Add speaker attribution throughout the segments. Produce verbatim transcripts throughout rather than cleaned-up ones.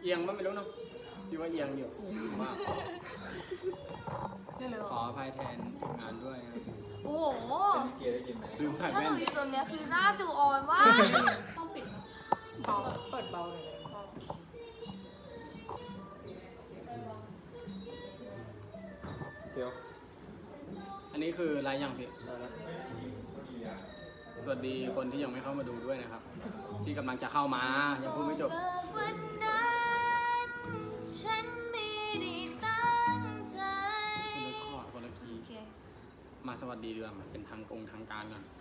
Speaker 1: เอียงมั้ยไม่รู้เนาะพี่ว่าเอียงอยู่มากขออภัยแทนทีมงานด้วยนะ
Speaker 2: โอ้โห
Speaker 3: เกียร์ได้กินไหม
Speaker 1: ลืมใส่แว่น
Speaker 2: ถ้าหนูอยู่ตรงเนี้ยคือหน้าจูออนว่า
Speaker 4: ต้องปิดนะเบาเปิดเบาเลย
Speaker 3: เดี๋ยว
Speaker 1: อันนี้คือไลฟ์ยังพี่สวัสดีคนที่ยังไม่เข้ามาดูด้วยนะครับที่กำลังจะเข้ามายังพูดไม่จบ
Speaker 2: วันนั้นฉันไม่ได้ตั้งใจ
Speaker 1: คนละข้อคนละคีย์มาสวัสดีดีกว่ามันเป็นทางกงทางการก่อน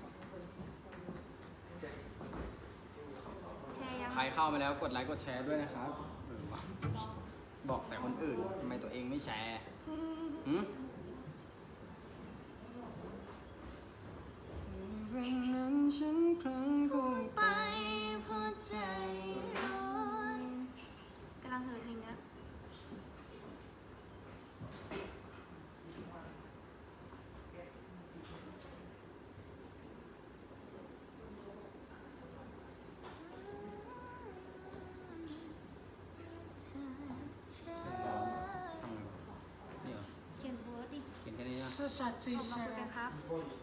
Speaker 1: ใครเข้ามาแล้วกดไลค์กดแชร์ด้วยนะครับบอกแต่คนอื่นทำไมตัวเองไม่แชร์หืมวันนั้นฉันพลั้งพูด
Speaker 2: ไปเพราะใจร้อนกำลังเหินเพลงนี้เขียนโพสดิ
Speaker 1: เขียนแค่นี้นะ
Speaker 4: สุดสัตย์สิ
Speaker 2: ขอบคุณครับ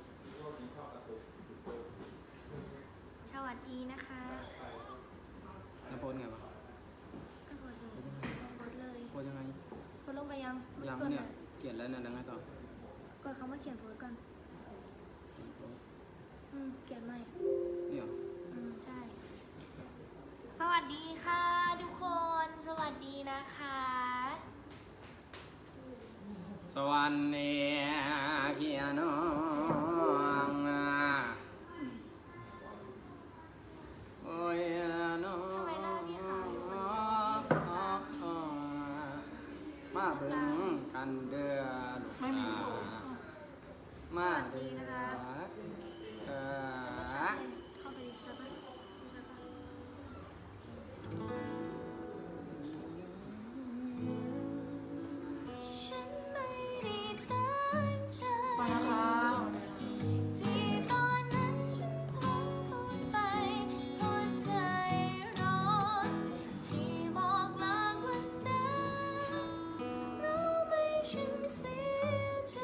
Speaker 2: สวัสดีนะคะ
Speaker 1: แล้วโพสไงวะ
Speaker 2: ก็โพสเลยโพสเลย
Speaker 1: โพสยังไง
Speaker 2: โพสลงไปยัง
Speaker 1: ยังเนี่ยเขียนแล้วเนี่ยยังไงต่
Speaker 2: อกดคำว่าเขียนโพสก่อนอืมเขียนใหม่
Speaker 1: นี่เหรอ
Speaker 2: อืมใช่สวัสดีค่ะทุกคนสวัสดีนะคะ
Speaker 1: สวัสดีพี่น้องโอ้ยน้องมาเบิ่งกันเดือดมาเดือดเออ
Speaker 2: เข้าไปใช่ปะใช่ปะฉันไม่ได้ตั้งใจ
Speaker 4: ไปนะคะ
Speaker 2: ที่ตอนนั้นฉันพลั้งพูดไปเพราะใจร้อนที่บอกลาวันนั้นรู้ไหมฉันเสียใจ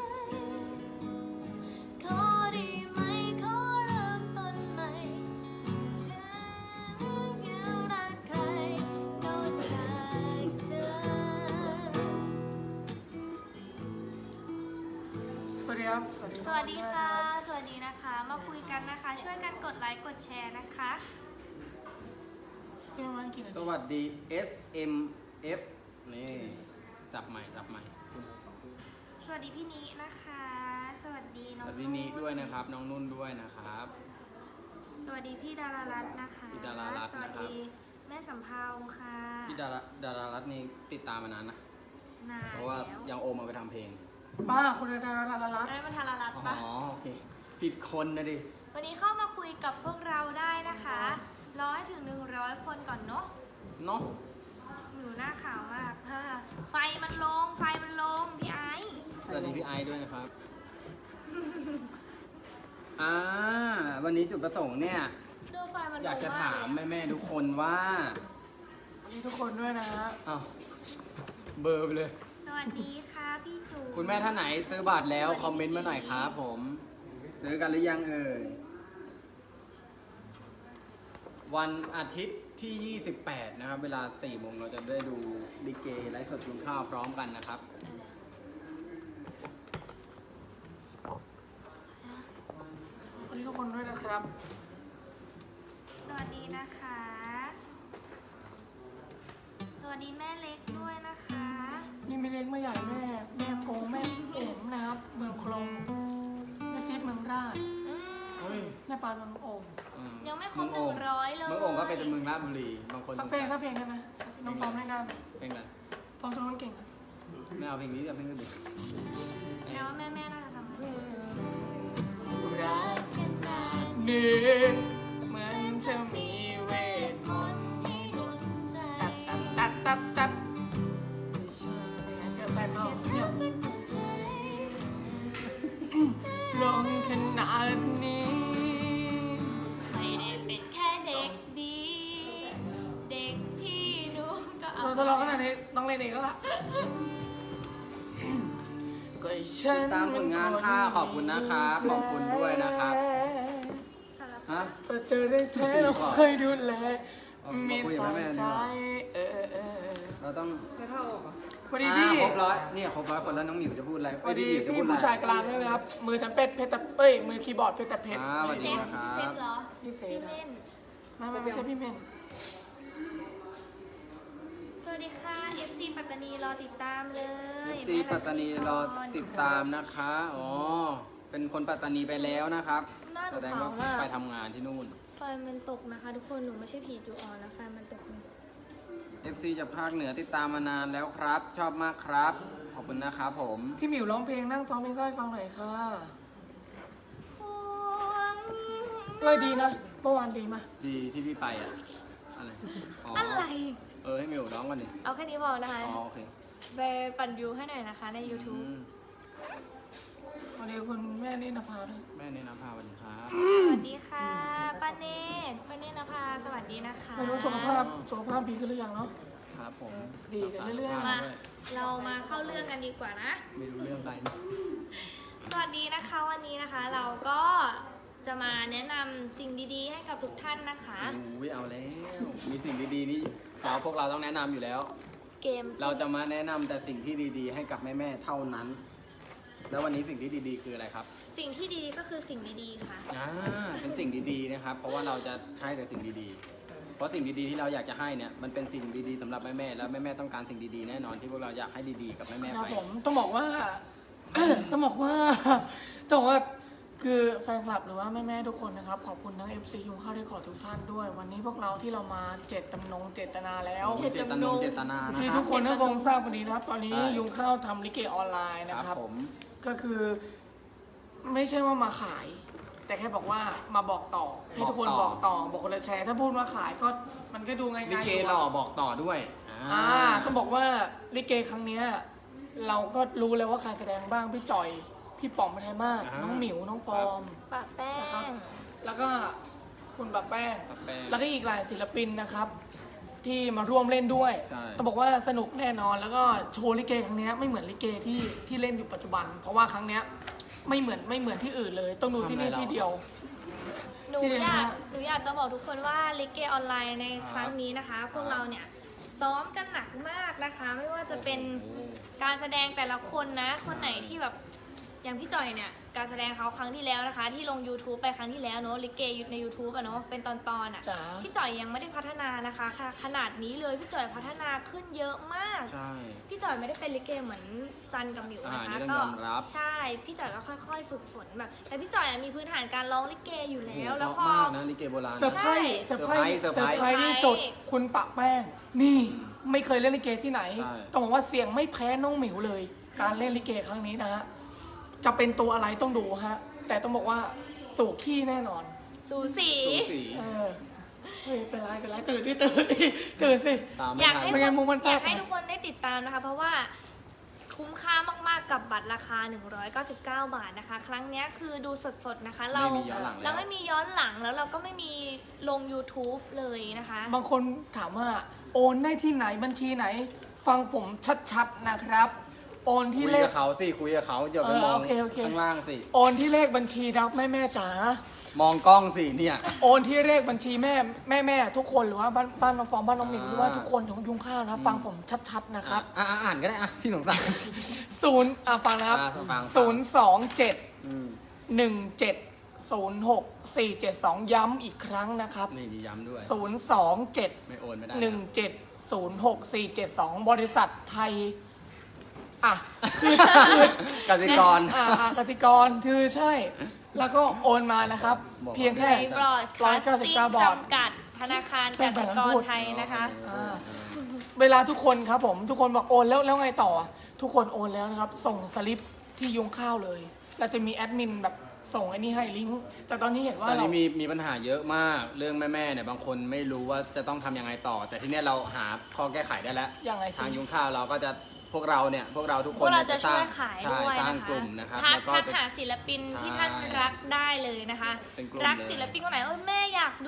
Speaker 2: ขอได้ไหมขอเริ่มต้นใหม่เธอยังรักใครนอกจากเธอ
Speaker 4: สวัสดีครับสวัสดี
Speaker 2: สวัสดีค่ะสวัสดีนะคะมาคุยกันนะคะช่วยกันกดไลค์กดแชร์นะคะ
Speaker 4: เป็นวันกี่นาที
Speaker 1: สวัสดี เอส เอ็ม เอฟ นี่สับใหม่สับใหม่
Speaker 2: สวัสดีพี่นินะคะ สวัสดีน้อง
Speaker 1: สวัสดีนิด้วยนะครับน้องนุ่นด้วยนะครับ
Speaker 2: สวัสดีพี่ดารารัตน์นะคะ
Speaker 1: พี่ดารารัตน์นะครับ
Speaker 2: สวัสดีแม่สำเภาค่ะ
Speaker 1: พี่ดาราดารารัตน์นี่ติดตามมานานนะ
Speaker 2: นาน
Speaker 1: เพราะว่ายังโอมมาไปทำเพลง
Speaker 4: บ้าคุณดาราลาลัต
Speaker 2: ได้มาทารารัตน์ปะ
Speaker 1: อ๋อโอเคผิดคนนะดิ
Speaker 2: วันนี้เข้ามาคุยกับพวกเราได้นะคะรอให้ถึงหนึ่งร้อยคนก่อนเนาะ
Speaker 1: เนาะ
Speaker 2: อยู่หน้าขาวมากไฟมันลงไฟมันลงพี่ไอซ์
Speaker 1: สวัสดีพี่ไอซ์ด้วยนะครับอ่าวันนี้จุดประสงค์เนี่ยอยากจะถามแม่ๆทุกคนว่า
Speaker 4: วันนี้ทุกคนด้วยนะฮะ
Speaker 1: อ้าวเบอร์ไปเลย
Speaker 2: สวัสดีค่ะพี่จู
Speaker 1: คุณแม่ท่านไหนซื้อบัตรแล้วคอมเมนต์มาหน่อยครับผมซื้อกันหรือยังเอ่ยวันอาทิตย์ที่ ยี่สิบแปด นะครับเวลา สี่โมงเราจะได้ดูลิเกไลฟ์สดกินข้าวพร้อมกันนะครับ
Speaker 4: วันนี้ทุกคนด้วยนะครับ
Speaker 2: สวัสดีนะคะสวัสดีแม่เล็กด้วยนะคะ
Speaker 4: นี่ไม่เล็กไม่ใหญ่แม่แม่โกงแม่เอ๋มนะครับเมืองคลองแม่จิ๊บเมืองราชแม่ปานเมืองโอ่ง
Speaker 2: ยังไม่ครบหนึ่งร้อยเลย
Speaker 1: เมืองโอ่งก็เป็นเมืองราชบุรีบางคน
Speaker 4: สักเพลงสักเพลงได้ไหมน้องฟอร์มให้ได้ไหม
Speaker 1: เพลงอะไร
Speaker 4: ฟอร์มร้องเก่งอ่ะ
Speaker 1: ไม่เอาเพลงนี้เอาเพลงอื่นดิ
Speaker 2: แล้วแม่แม่น่าจะทำอะไร
Speaker 4: รักขนาดนี้เหมือนจะมีเวทมนต์ให้ดลใจตับตับตับตับเจอแต่เราลงขนาดนี้
Speaker 2: ไม่ได้เป็นแค่เด็กดีเด็กพี่หนูก็เอา
Speaker 4: ทดลองขนาดนี้ต้องเล่นเองแล้วล่ะก็ฉัน
Speaker 1: ตามผลงานค่ะขอบคุณนะครับขอบคุณด้วยนะครับ
Speaker 2: สารพั
Speaker 1: ฮะ
Speaker 2: ด
Speaker 4: พอเจอได้แท้เราเคยดูแล
Speaker 1: เอา
Speaker 4: มี
Speaker 1: มาคุยกับ
Speaker 4: สาย
Speaker 1: แม่ๆดี
Speaker 4: ใจ
Speaker 1: กว่า
Speaker 4: เออเออเออ
Speaker 1: เราต้อง
Speaker 4: ไม่เข้าออกเหรอพอดี
Speaker 1: อ่า
Speaker 4: พี่
Speaker 1: ครบร้อยเนี่ยครบร้อยคนแล้วน้องหมิวจะพูดอะไร
Speaker 4: พอดี
Speaker 1: เย
Speaker 4: พี่
Speaker 1: หมิวจะพูด
Speaker 4: ผู้
Speaker 1: อะไร
Speaker 4: ชายกลางด้วยนะครับ มือทำเป็ดเพชรตะเอ้ยมือคีย์บอร์ดเพชรตะเพชร
Speaker 1: อ่าสวัสดี
Speaker 2: เซน
Speaker 1: นะครับ
Speaker 2: เซนเหรอ
Speaker 4: พี่เซ
Speaker 2: พี่
Speaker 4: น
Speaker 2: เม่น
Speaker 4: ไม่ไม่ไม่ใช่พี่เมน
Speaker 2: สวัสดีค่ะ เอฟ ซี ปัตตานีรอติดตามเลย
Speaker 1: ซีปัตตานีรอติดตามนะคะอ๋อเป็นคนปัตตานีไปแล้วนะครับ
Speaker 2: หน้าห
Speaker 1: แส
Speaker 2: นู
Speaker 1: ดง
Speaker 2: ขา
Speaker 1: ว่าว
Speaker 2: มาก
Speaker 1: ไปทำงานที่นู่น
Speaker 2: ไฟมันตกนะคะ ทุกคนหนูไม่ใช่ผีจูออนนะไฟมันตก
Speaker 1: เอฟซีจากภาคเหนือติดตามมานานแล้วครับ ชอบมากครับ ขอบคุณนะครับผม
Speaker 4: พี่หมิวร้องเพลงนั่งซ้อมเพลงสร้อยฟังหน่อยค่ะ
Speaker 2: พวง
Speaker 4: เอ้ยดีนะเมื่อวานดีมา
Speaker 1: ดีที่พี่ไปอ่ะอะไรอ๋อ
Speaker 2: อะไร
Speaker 1: เออให้มิวร้องกันดิ
Speaker 2: เอาแค่นี้พอนะคะ
Speaker 1: อ๋อโอเค
Speaker 2: ไปปั่นวิวให้หน่อยนะคะใน
Speaker 1: อื
Speaker 2: YouTube
Speaker 1: ม
Speaker 4: วันนี้คุณแม่นี่นภาด้วย
Speaker 1: แม่เนยนะพาวันนี้ครับ
Speaker 2: สวัสดีค่ะป้าเนตป้าเนตนภาสวัสดีนะคะ
Speaker 4: ไม่รู้สุขภาพสุขภาพดีขึ้นหรือยังเนาะ
Speaker 1: ครับผม
Speaker 4: ดีกันเรื่อยๆ
Speaker 2: มาเรามาเข้าเรื่องกันดีกว่านะ
Speaker 1: ไม่รู้เรื่องอะไร
Speaker 2: สวัสดีนะคะวันนี้นะคะเราก็จะมาแนะนำสิ่งดีๆ ให้กับทุกท่านนะคะ
Speaker 1: อุ้ยเอาแล้ว มีสิ่งดีๆนี่เราพวกเราต้องแนะนำอยู่แล้ว
Speaker 2: เกม
Speaker 1: เราจะมาแนะนำแต่สิ่งที่ดีๆ ให้กับแม่ๆเท่านั้น แล้ววันนี้สิ่งที่ดีๆ คืออะไรครับ
Speaker 2: สิ่งที่ดีก็คือสิ่งดีๆค่ะ
Speaker 1: อ่าเป็นสิ่งดีๆนะครับ เพราะว่าเราจะให้แต่สิ่งดีๆ เพราะสิ่งดีๆที่เราอยากจะให้เนี่ยมันเป็นสิ่งดีๆสำหรับแม่ๆแล้วแม่ๆต้องการสิ่งดีๆแน่นอนที่พวกเราอยากให้ดีๆกับแม่ๆ
Speaker 4: ครับ
Speaker 1: ไป
Speaker 4: ผมต้องบอกว่า ต้องบอกว่าต้องบอกว่าคือแฟนคลับหรือว่าแม่ๆทุกคนนะครับ ขอบคุณทั้ง เอฟ ซี ยุงข้าวได้ขอทุกท่านด้วย วันนี้พวกเราที่เรามาเจตจำนงเจตนาแล้ว
Speaker 2: เจ
Speaker 1: เจตนงเจตนานะ
Speaker 4: ที่
Speaker 1: ค
Speaker 4: ทุ
Speaker 1: รับ
Speaker 4: กคนก็คงทราบวันนี้นะครับ ตอนนี้
Speaker 1: ใช่
Speaker 4: ยุงข้าวทำลิเกออนไลน์นะ
Speaker 1: ค
Speaker 4: ค
Speaker 1: รั
Speaker 4: รั
Speaker 1: บบ ผม
Speaker 4: ก็คือไม่ใช่ว่ามาขาย แต่แค่บอกว่ามาบอกต่อ ให้ทุกคนบอกต่อ บอกคนละแชร์ ถ้าพูดว่าขายก็มันก็ดูง่ายๆ
Speaker 1: ลิเก
Speaker 4: ยู่
Speaker 1: หล่อบอกต่อด้วย
Speaker 4: อ่าต้องบอกว่าลิเกครั้งเนี้ยเราก็รู้แล้วว่าใครแสดงบ้างพี่จอย พี่ป๋องไทยมาศ
Speaker 1: อ่า
Speaker 4: น้องหมิวน้องฟอร์ม
Speaker 2: ปะแป้
Speaker 4: นะครับ
Speaker 2: ง
Speaker 4: แล้วก็คุณบักแป้ง
Speaker 1: ครับแป้ง
Speaker 4: แล้วก็อีกหลายศิลปินนะครับ ที่มาร่วมเล่นด้วย
Speaker 1: ใช่
Speaker 4: ต้องบอกว่าสนุกแน่นอนแล้วก็โชว์ลิเกครั้งเนี้ยไม่เหมือนลิเกที่ที่เล่นอยู่ปัจจุบัน เพราะว่าครั้งเนี้ยไม่เหมือนไม่เหมือนที่อื่นเลย ต้องดูที่นี่ที่เดียว
Speaker 2: หนู
Speaker 4: ที่เรียน
Speaker 2: อยาก
Speaker 4: นะ
Speaker 2: หนูอยากจะบอกทุกคนว่าลิเกออนไลน์ในครั้งนี้นะคะ พวกเราเนี่ยซ้อมกันหนักมากนะคะ ไม่ว่าจะเป็น
Speaker 1: โอ้โห
Speaker 2: การแสดงแต่ละคนนะ คนไหนที่แบบอย่างพี่จอยเนี่ยการแสดงเขาครั้งที่แล้วนะคะ ที่ลง YouTube ไปครั้งที่แล้วเนอะลิเกใน YouTube อะเนอะเป็นตอนๆอะ
Speaker 4: จ๋า
Speaker 2: พี่จอยยังไม่ได้พัฒนานะคะค่ะขนาดนี้เลยพี่จอยพัฒนาขึ้นเยอะมาก
Speaker 1: ใช่
Speaker 2: พี่จอยไม่ได้เป็นลิเกเหมือนซันกับหมิวนะคะ
Speaker 1: อ่านี่ต้องยอมรับ
Speaker 2: ใช่พี่จอยก็ค่อยๆ ฝึกฝนแบบ แต่พี่จอยอะมีพื้นฐานการร้องลิเกอยู่แล้ว
Speaker 1: โอ้โห
Speaker 2: แล้ว
Speaker 1: เพ
Speaker 2: พอ
Speaker 1: ราะมากนะลิเกโบราณ
Speaker 4: เซอร์ไพรส์เซอร์ไพรส์
Speaker 1: เซอร์
Speaker 4: เซอ
Speaker 1: ไพรส์
Speaker 4: ร์ไพรส์ที่สุด คุณปะแป้ง นี่ไม่เคยเล่นลิเกที่ไหน
Speaker 1: ใช่
Speaker 4: ต้องบอกว่าเสียงไม่แพ้น้องหมิวเลย การเล่นลิเกครั้งนี้นะฮะจะเป็นตัวอะไรต้องดูฮะ แต่ต้องบอกว่าสู่ขี้แน่นอน
Speaker 2: สูสี
Speaker 1: สูสี
Speaker 4: เออเฮ้ยเป็นไรเป็นไรตื่นดิตื่นดิตื่นสิ
Speaker 1: ตามไม่
Speaker 2: อยาก
Speaker 1: ทัน
Speaker 2: ให้
Speaker 4: ไม่งั้นมุมมันแปลก
Speaker 2: อยากให้ทุกคนได้ติดตามนะคะ เพราะว่าคุ้มค่ามากๆกับบัตรราคา หนึ่งร้อยเก้าสิบเก้า บาทนะคะ ครั้งเนี้ยคือดูสดๆนะคะ เรา
Speaker 1: ไม่มีย้อนหลัง
Speaker 2: เรา
Speaker 1: แล้ว
Speaker 2: ไม่มีย้อนหลังแล้วเราก็ไม่มีลง YouTube เลยนะคะ
Speaker 4: บางคนถามว่าโอนได้ที่ไหนบัญชีไหน ฟังผมชัดๆนะครับ โอนที่
Speaker 1: คุย
Speaker 4: เลข
Speaker 1: กับเขาสิคุยกับเขาอย่าไป
Speaker 4: เออ
Speaker 1: มอง
Speaker 4: โอเคโอเค
Speaker 1: ข้างล่างสิ
Speaker 4: โอนที่เลขบัญชีรับแม่แม่ๆจ๋า
Speaker 1: มองกล้องสิเนี่ย
Speaker 4: โอนที่เลขบัญชีแม่แม่แม่ทุกคนหรือว่าบ้านบ้านน้องฟองบ้านน้องหมิว
Speaker 1: อ่า
Speaker 4: หรือว่าทุกคนของยุงข้าวนะฟังผมชัดๆนะครับ
Speaker 1: อ่ะอ่ะอ่านก็ได้อ่ะพี่สงสาร
Speaker 4: ศูนย์อ่ะฟังนะครับ
Speaker 1: อ่าฟัง
Speaker 4: ศูนย์สองเจ็ด
Speaker 1: อืม
Speaker 4: หนึ่งเจ็ดศูนย์หกสี่เจ็ดสองย้ำอีกครั้งนะครับ
Speaker 1: นี่มีย้ำด้วย
Speaker 4: ศูนย์สองเจ็ด
Speaker 1: ไม่โอนไม่ได้
Speaker 4: หนึ่งเจ็ดศูนย์หกสี่เจ็ดสองบริษัทไทย อ่ะ
Speaker 1: กสิกร
Speaker 4: อ่าอ่ากสิกรคือใช่ แล้วก็โอนมานะครับ
Speaker 1: บอก
Speaker 4: เพียงแค่
Speaker 2: ในบรอดคาสติ้ง
Speaker 4: บาท
Speaker 2: จำกัดธนาคารกสิกรไทยนะคะ
Speaker 4: อ่า เวลาทุกคนครับผมทุกคนบอกโอนแล้วแล้วไงต่อ ทุกคนโอนแล้วนะครับ ส่งสลิปที่ยุงข้าวเลย เราจะมีแอดมินแบบส่งไอ้นี่ให้ลิงก์แต่ตอนนี้เห็นว่า
Speaker 1: ตอน
Speaker 4: เรา
Speaker 1: นี้มีมีปัญหาเยอะมากเรื่องแม่ๆเนี่ยบางคนไม่รู้ว่าจะต้องทำยังไงต่อ แต่ที่เนี้ยเราหาข้อแก้ไขได้แล้ว
Speaker 4: ยังไงสิ
Speaker 1: ทางยุงข้าวเราก็จะพวกเราเนี่ยพวกเราทุก
Speaker 2: พ
Speaker 1: คว
Speaker 2: ก
Speaker 1: น
Speaker 2: เรา
Speaker 1: นี่
Speaker 2: จะ
Speaker 1: ส
Speaker 2: ช่
Speaker 1: ร้
Speaker 2: วยขาย
Speaker 1: ใช่
Speaker 2: ด้วย
Speaker 1: สร้าง
Speaker 2: นะคะ
Speaker 1: กลุ่มนะครับ
Speaker 2: ทัก
Speaker 1: แล้วก็
Speaker 2: ทัก
Speaker 1: จะ
Speaker 2: หาศิลปินที่
Speaker 1: ใช่
Speaker 2: ท่านรักได้เลยนะคะ
Speaker 1: เป็นกลุ่ม
Speaker 2: รัก
Speaker 1: เลย
Speaker 2: ศิลปินคนไหนเออแม่อยากดู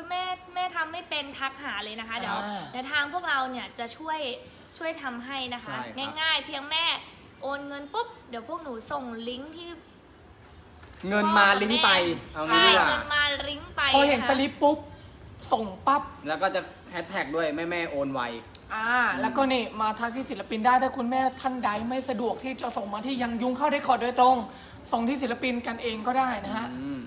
Speaker 2: แม่แม่ทำไม่เป็นทักหาเลยนะคะเดี๋ยว
Speaker 4: อ่า
Speaker 2: เดี๋ยวทางพวกเราเนี่ยจะช่วยช่วยทำให้นะคะ
Speaker 1: ใช่ครับ
Speaker 2: ง่ายๆ เพียงแม่โอนเงินปุ๊บเดี๋ยวพวกหนูส่งลิงก์ที่
Speaker 1: เงินมาลิงก์ไปเอางี้
Speaker 2: ใช่
Speaker 1: ดีกว่า
Speaker 2: เงินมาลิงก์ไป
Speaker 4: พอเห็น
Speaker 2: นะคะ
Speaker 4: สลิปปุ๊บส่งปั๊บ
Speaker 1: แล้วก็จะแฮชแท็กด้วยแม่แม่ๆโอนไว
Speaker 4: อ่าแล้วก็นี่มาทักที่ศิลปินได้ถ้าคุณแม่ท่านใดไม่สะดวกที่จะส่งมาที่ยังยุงเข้าได้คอร์ดโดยตรง ส่งที่ศิลปินกันเองก็ได้นะฮะ
Speaker 1: อืม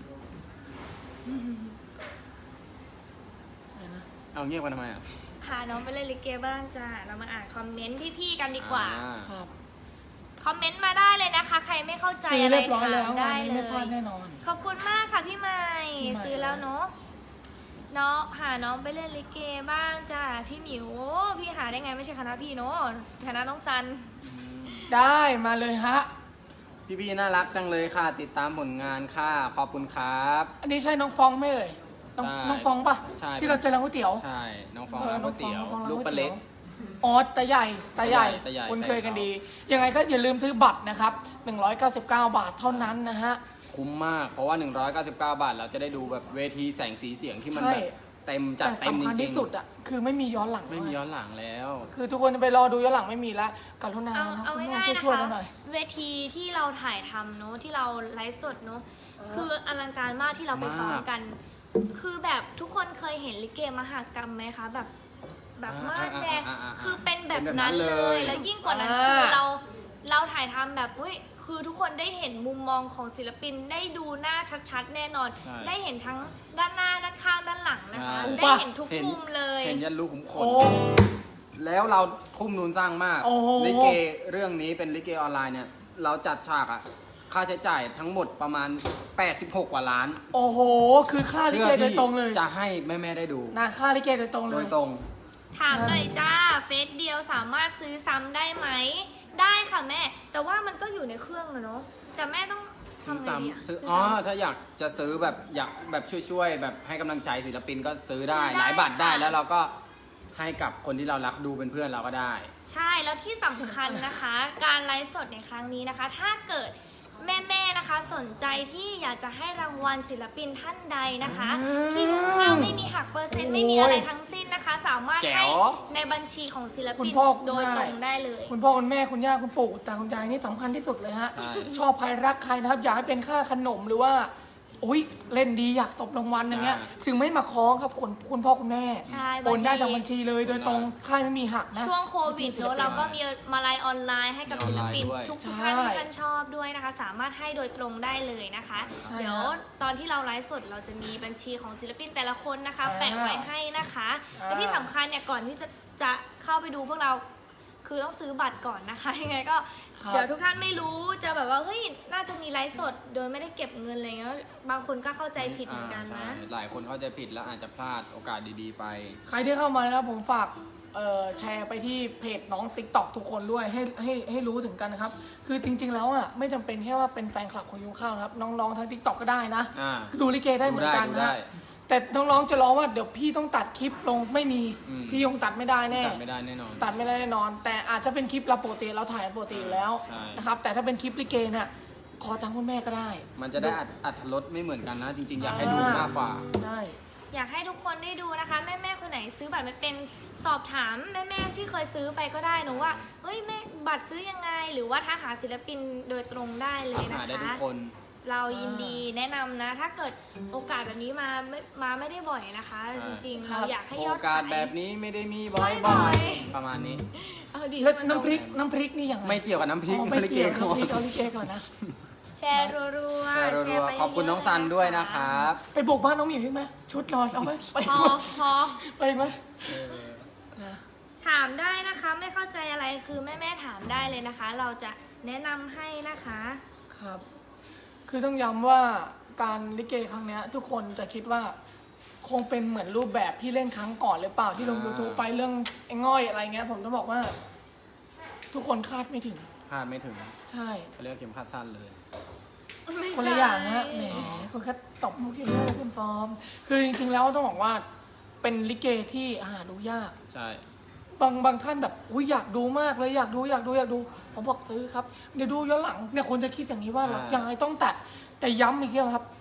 Speaker 1: เอาเงียบกันทำไมอ่ะ
Speaker 2: พาน้องไปเล่นลิเกบ้างจ้าเรามาอ่านคอมเมนต์พี่ๆกันดีกว่า
Speaker 1: อ่
Speaker 4: ครับ
Speaker 2: คอมเมนต์มาได้เลยนะคะ ใครไม่เข้าใจ
Speaker 4: ซื้อ
Speaker 2: อะไร
Speaker 4: เรียบร้อย
Speaker 2: ถา
Speaker 4: แล้ว
Speaker 2: ม
Speaker 4: งา
Speaker 2: ได้
Speaker 4: นนี้
Speaker 2: เล
Speaker 4: ไม่พลาด
Speaker 2: ย
Speaker 4: แน่นอน
Speaker 2: ขอบคุณมากค่ะพี่ใหม่
Speaker 4: พี่ใหม่
Speaker 2: ซื้อแล้วเนาะน้องหาน้องไปเล่นลิเกบ้างจ้าพี่หมิวโอ้พี่หาได้ไงไม่ใช่คณะพี่เนาะคณะน้องซัน
Speaker 4: ได้มาเลยฮะ
Speaker 1: พี่ๆน่ารักจังเลยค่ะ ติดตามผลงานค่ะขอบคุณครับ
Speaker 4: อันนี้ใช่น้องฟองไหมเอ่ยน้อง
Speaker 1: ใช่
Speaker 4: น้องฟองปะ
Speaker 1: ใช่
Speaker 4: ที่เราเจอร้านก๋วยเตี๋ยว
Speaker 1: ใช่น้องฟอง
Speaker 4: เออ
Speaker 1: ร้านก๋วยเตี๋ยว
Speaker 4: น้องฟอง
Speaker 1: ลูก
Speaker 4: ร้าน
Speaker 1: ปลาเล็ก
Speaker 4: อ๋อตาใหญ่ตาใหญ่
Speaker 1: ตาใหญ่
Speaker 4: คุ้นเคยกัน
Speaker 1: แฟนเขา
Speaker 4: ดี ยังไงก็อย่าลืมซื้อบัตรนะครับหนึ่งร้อยเก้าสิบเก้าบาทเท่านั้นนะฮะ
Speaker 1: คุ้มมาก เพราะว่า หนึ่งร้อยเก้าสิบเก้า บาท เราจะได้ดูแบบเวทีแสงสีเสียงที่มัน
Speaker 4: ใช่
Speaker 1: แบบเต็มจัด
Speaker 4: แต่
Speaker 1: เต็มจ
Speaker 4: สำคัญ
Speaker 1: ริ
Speaker 4: ที่
Speaker 1: ง
Speaker 4: สุดอ่ะคือไม่มีย้อนหลัง
Speaker 1: ๆ ไม่มีย้อนหลังแล้ว
Speaker 4: คือทุกคนจะไปรอดูย้อนหลังไม่มีแล้วกรุณา
Speaker 2: เอา
Speaker 4: นะ
Speaker 2: เอา
Speaker 4: คุณแม่
Speaker 2: ง่ายๆนะ
Speaker 4: ช่วยๆ
Speaker 2: คะ
Speaker 4: กันหน่อย
Speaker 2: เวทีที่เราถ่ายทำเนาะที่เราไลฟ์สดเนาะคืออลังการมากที่เราไปซ้อมกัน คือแบบทุกคนเคยเห็นลิเกมหกรรมไหมคะแบบแบบม่านแดง
Speaker 1: อ่าอ่าอ่าอ่า
Speaker 2: คือเป็นแบบ
Speaker 1: เป็นแบบนั้
Speaker 2: นั้น
Speaker 1: น
Speaker 2: เล
Speaker 1: เลย ย
Speaker 2: แล้วยิ่งกว่านั้น
Speaker 4: อ่า
Speaker 2: คือเราเราถ่ายทำแบบเฮ้ยคือทุกคนได้เห็นมุมมองของศิลปินได้ดูหน้าชัดๆ แน่นอน
Speaker 1: ใช่
Speaker 2: ได้เห็นทั้งด้านหน้าด้านข้างด้านหลังนะคะ
Speaker 1: ใช่
Speaker 2: ได้เห็นทุก
Speaker 1: เห็น
Speaker 2: มุมเลย
Speaker 1: เห็นยันลูกขุมขน
Speaker 4: โอ้
Speaker 1: แล้วเราทุ่มนุนสร้างมาก
Speaker 4: โอ้โห
Speaker 1: ลิเกเรื่องนี้เป็นลิเกออนไลน์เนี่ย เราจัดฉากอะค่าใช้จ่ายทั้งหมดประมาณ แปดสิบหก กว่าล้าน
Speaker 4: โอ้โห คือค่าลิ
Speaker 1: เพื่
Speaker 4: เก
Speaker 1: อ
Speaker 4: โดย
Speaker 1: ที่
Speaker 4: ตรงเลย
Speaker 1: จะให้แม่ๆได้ดู
Speaker 4: นะค่าลิเกโดยตรงเล
Speaker 1: โด
Speaker 4: ย
Speaker 1: ยตรง
Speaker 2: ถามหน่อยจ้าเฟซเดียวสามารถซื้อซ้ำได้ไหม ได้ค่ะแม่ แต่ว่ามันก็อยู่ในเครื่องอะเนาะแต่แม่ต้อง
Speaker 1: ซื้อ
Speaker 2: ทำไงดีะ
Speaker 1: ซ้ำซื้อ
Speaker 2: ซื้
Speaker 1: อ๋อ
Speaker 2: ซ้ำ
Speaker 1: ถ้าอยากจะซื้อแบบอยากแบบช่วยๆ แบบให้กำลังใจศิลปินก็ซื้อได้
Speaker 2: ซื้อได้
Speaker 1: หลายบัตรได้
Speaker 2: ค่ะ
Speaker 1: แล้วเราก็ให้กับคนที่เรารักดูเป็นเพื่อนเราก็ได้
Speaker 2: ใช่แล้วที่สำคัญนะคะ การไลฟ์สดในครั้งนี้นะคะ ถ้าเกิดแม่ๆนะคะ สนใจที่อยากจะให้รางวัลศิลปินท่านใดนะคะ
Speaker 4: อืม
Speaker 2: ที่ทุกข้าวไม่มีหักเปอร์เซ็นต์ไม่มีอะไรทั้งสิ้นนะคะ สามารถ
Speaker 1: แจ๋
Speaker 2: ให้
Speaker 1: ว
Speaker 2: ในบัญชีของศิล
Speaker 4: คุ
Speaker 2: ปิ
Speaker 4: ณ
Speaker 2: น
Speaker 4: พ่อคุณ
Speaker 2: โดย
Speaker 4: แม่
Speaker 2: ตรงได้เลย
Speaker 4: คุณพ่อคุณแม่คุณย่าคุณปู่ตาคุณยายนี่สำคัญที่สุดเลยฮะ
Speaker 1: ใช่
Speaker 4: ชอบใครรักใครนะครับ อยากให้เป็นค่าขนมหรือว่าอุ้ยเล่นดีอยากตบรางวัลอย่างเงี้ย ถึงไม่มาคล้องครับคุณคุณพ่อคุณแม่
Speaker 2: ใช่
Speaker 4: โอนได้
Speaker 2: บางที
Speaker 4: จากบัญชีเลยโดยตรงค่ายไม่มีหักนะ
Speaker 2: ช่วงโควิด
Speaker 4: ศิล
Speaker 2: เนอะ
Speaker 4: ปิน
Speaker 2: เราก็มีมาลายออนไลน์ให้กับศิลปิน
Speaker 1: มีออนไลน์ด้วย
Speaker 2: ทุก
Speaker 4: ใช่
Speaker 2: ท่านที่ท่านชอบด้วยนะคะ สามารถให้โดยตรงได้เลยนะคะ
Speaker 4: ใช่
Speaker 2: เดี๋ยว
Speaker 4: ฮะ
Speaker 2: ตอนที่เราไลฟ์สดเราจะมีบัญชีของศิลปินแต่ละคนนะคะ
Speaker 4: อ่า
Speaker 2: แปะไว้ให้นะคะ
Speaker 4: อ่า
Speaker 2: และที่สำคัญเนี่ยก่อนที่จะจะเข้าไปดูพวกเราคือต้องซื้อบัตรก่อนนะคะ ยังไงก็
Speaker 4: ครับ
Speaker 2: เดี๋ยวทุกท่านไม่รู้จะแบบว่าเฮ้ยน่าจะมีไลฟ์สดโดยไม่ได้เก็บเงินอะไรเงี้ยบางคนก็เข้าใจผิดเหมือนกันนะ
Speaker 1: อ่าใช่หลายคนเข้าใจผิดแล้วอาจจะพลาดโอกาสดีๆไป
Speaker 4: ใครที่เข้ามานะครับผมฝากเอ่อแชร์ไปที่เพจน้อง ติ๊กต็อก ทุกคนด้วยให้ให้ให้รู้ถึงกันนะครับ คือจริง ๆ แล้วอ่ะไม่จำเป็นแค่ว่าเป็นแฟนคลับของยุงข้าวนะครับน้องๆทาง ติ๊กต็อก ก็ได้นะ
Speaker 1: อ่า
Speaker 4: ดูลิเกได้เหมือนกัน
Speaker 1: ดู
Speaker 4: นะ
Speaker 1: ได้
Speaker 4: แต่น้องๆจะร้องว่าเดี๋ยวพี่ต้องตัดคลิปลงไม่มี
Speaker 1: อืม
Speaker 4: พี่ยงตัดไม่ได้แน่
Speaker 1: ตัดไม่ได้แน่นอน
Speaker 4: ตัดไม่ได้แน่นอน แต่อาจจะเป็นคลิปเราปกติเราถ่ายปกติอยู่แล้ว
Speaker 1: ใช่
Speaker 4: นะครับแต่ถ้าเป็นคลิปลิเกเนี่ยขอทางคุณแม่ก็ได้
Speaker 1: มันจะได้อัดอัดรสไม่เหมือนกันนะ จริงๆ อยากให้ดูมากกว่า
Speaker 4: ได้
Speaker 2: อยากให้ทุกคนได้ดูนะคะ แม่แม่ๆคนไหนซื้อบัตรไม่เป็นสอบถามแม่แม่ๆที่เคยซื้อไปก็ได้หนูว่าเฮ้ยแม่บัตรซื้อยังไง หรือว่าทักหาศิลปินโดยตรงได้เลย
Speaker 1: ทัก
Speaker 2: นะ
Speaker 1: หาได้ทุ
Speaker 2: คะ
Speaker 1: กคน
Speaker 2: เรายินดีแนะนำนะ ถ้าเกิดโอกาสแบบนี้มาไม่มาไม่ได้บ่อยนะคะ
Speaker 1: ใช่
Speaker 2: จริงๆ
Speaker 4: ครับ
Speaker 2: เราอยากให้ย
Speaker 1: โอ
Speaker 2: อด
Speaker 1: กา
Speaker 2: ขา
Speaker 1: ส
Speaker 2: ย
Speaker 1: แบบนี้ไม่ได้มีบ่
Speaker 2: บ่
Speaker 1: อ
Speaker 2: อย ย
Speaker 1: ๆ ประมาณนี้
Speaker 2: เอาดี
Speaker 4: แล้ว
Speaker 2: ให้มั
Speaker 4: น้ำพริก
Speaker 2: ตง
Speaker 4: น้ำพริกนี่ยังไง
Speaker 1: ไม่เกี่ยวกับน้ำพริก
Speaker 4: อ๋อไม่
Speaker 1: ลิ
Speaker 4: เกี่ยว
Speaker 1: ก่
Speaker 4: น้ำพริก
Speaker 1: อน
Speaker 4: เอาลิเกก่อนนะ
Speaker 2: แชร์รัวๆ
Speaker 1: แชร์รั
Speaker 2: แชร์
Speaker 1: ว
Speaker 2: ไป
Speaker 1: ๆขอบคุณน้องซันด้วยนะครับ
Speaker 4: ไปบุกบ้านน้องหมิวใช่ไหมชุดนอนเอาไหมไป
Speaker 2: พอ
Speaker 4: ไหม
Speaker 2: พอ
Speaker 4: ไปไหม
Speaker 1: เออ
Speaker 4: นะ
Speaker 2: ถามได้นะคะ ไม่เข้าใจอะไรคือแม่แม่ๆถามได้เลยนะคะ เราจะแนะนำให้นะคะ
Speaker 4: ครับ คือต้องย้ำว่าการลิเกครั้งเนี้ย ทุกคนจะคิดว่า คงเป็นเหมือนรูปแบบที่เล่นครั้งก่อนหรือเปล่าที่ลง
Speaker 1: อ่า
Speaker 4: ยูทูบไปเรื่องไอ้ง่อยอะไรเงี้ย ผมจะบอกว่า ทุกคนคาดไม่ถึง
Speaker 1: พลาดไม่ถึง
Speaker 4: ใช่
Speaker 1: เขาเรียกเข็มขัดสั้นเลย
Speaker 2: ไม่
Speaker 4: คน
Speaker 2: ใช่
Speaker 4: ละอย่างนะแหมคุณแค่ตบมุกเดียวเลยคุณฟอร์ม คือจริงๆแล้วต้องบอกว่า เป็นลิเกที่หาดูยาก
Speaker 1: ใช่
Speaker 4: บางบางท่านแบบอุ้ยอยากดูมากเลยอยากดูอยากดูอยากดู ผมบอกซื้อครับ เดี๋ยวดูย้อนหลังเนี่ยคนจะคิดอย่างนี้ว่าเรายังไงต้องตัด แต่ย้ำอีกทีครับ